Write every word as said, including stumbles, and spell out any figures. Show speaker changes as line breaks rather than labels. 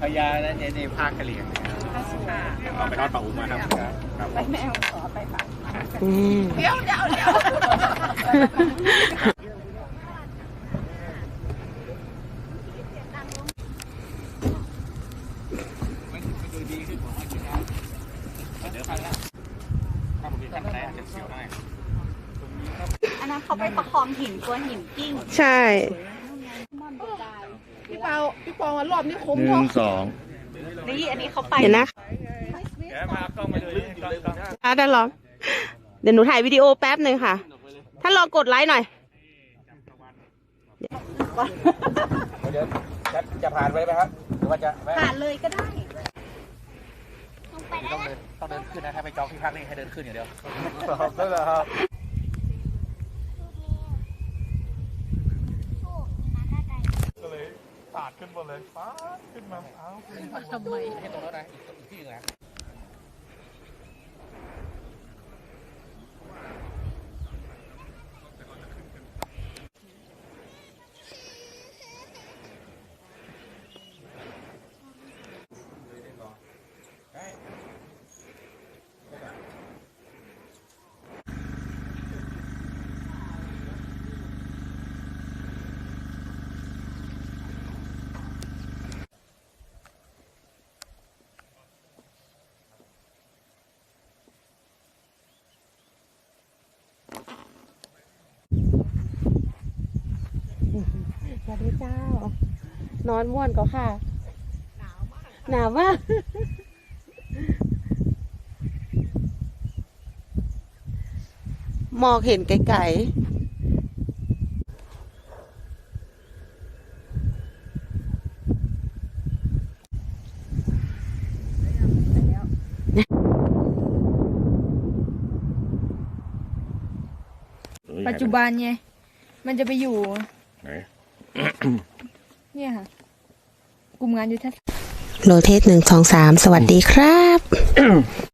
ญานะเนี่ยในภาคกะเหรี่ยงเอาไปทอดปลาอุ้มมาครับไปแมวขอไปฝากเดี๋ยวเดี๋ยวเดี๋ยวมันดูดีขึ้นผมว่าอยู่แล้วเดี๋ยวพันละถ้าผมมีขั้นไหนอาจจะเสียวได้
อันนั้นเขาไปประคองหินตัวหินกิ้ง
ใช่
พี่เปาพี่ปองรอบนี้คุ้ม
หนึ่งสอง
นี่อันนี้เขาไป
เห็นนะ
เดี๋ยวพากล้องมาดูนี่กล้องกล้อง
อ่ะได้ลองเดี๋ยวหนูถ่ายวิดีโอแป๊บหนึ่งค่ะถ้าลองกดไลค์หน่อย
เดี๋ยวจะจะผ่านไปไหมครับหรือว่าจะ
ผ่านเลยก็ได้
ต้องเดินต้องเดินขึ้นนะถ้าไปจองที่พักนี่ให้เดินขึ้นอย่างเดียวได้แล้วครับก็เลยปาดขึ้นบนเลยฟ้าขึ้นมาเอ้าทำไมให้ตรงนั้นนะอีกที่นึงนะ
สวัสดีเจ้านอนม่วนก็ค่ะหนาวมากหนาวมากมองเห็นไกล
ปัจจุบันไงมันจะไปอยู่
ไหน
เนี่ยค่ะกลุ่มงานยุทธศาสตร์
โลเทสหนึ่งสองสามสวัสดีครับ